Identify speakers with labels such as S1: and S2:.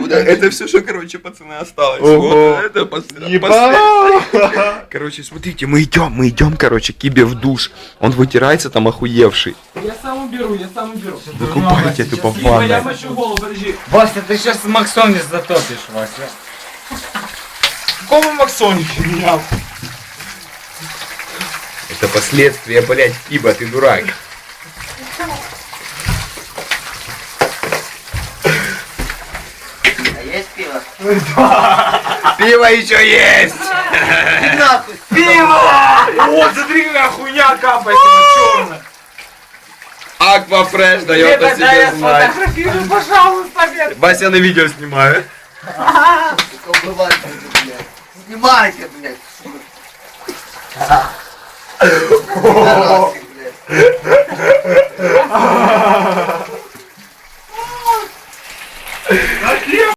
S1: Это все, что, короче, пацаны, осталось.
S2: Ого.
S1: Вот это последнее.
S2: Ебать!
S1: Короче, смотрите, мы идем, короче, к Кибе в душ. Он вытирается там охуевший.
S3: Я сам уберу.
S1: Выкупайте тупо в
S3: Я
S1: ванной.
S3: мочу голову, подожди.
S2: Вася, ты сейчас Максон не затопишь, Вася.
S3: Какого Максоники менял?
S1: Это последствия, блядь, Киба, ты дурак.
S4: А есть пиво?
S1: Пиво еще есть!
S4: Нахуй!
S3: Вот, смотри, какая хуйня капает черная.
S1: Аквафреш дает о себе знать.
S3: Сфотографируй, пожалуйста, блядь.
S1: Вася на видео снимаю.
S4: Сука, убывайте, блядь. Снимайте, блядь. Пидорасы, блядь.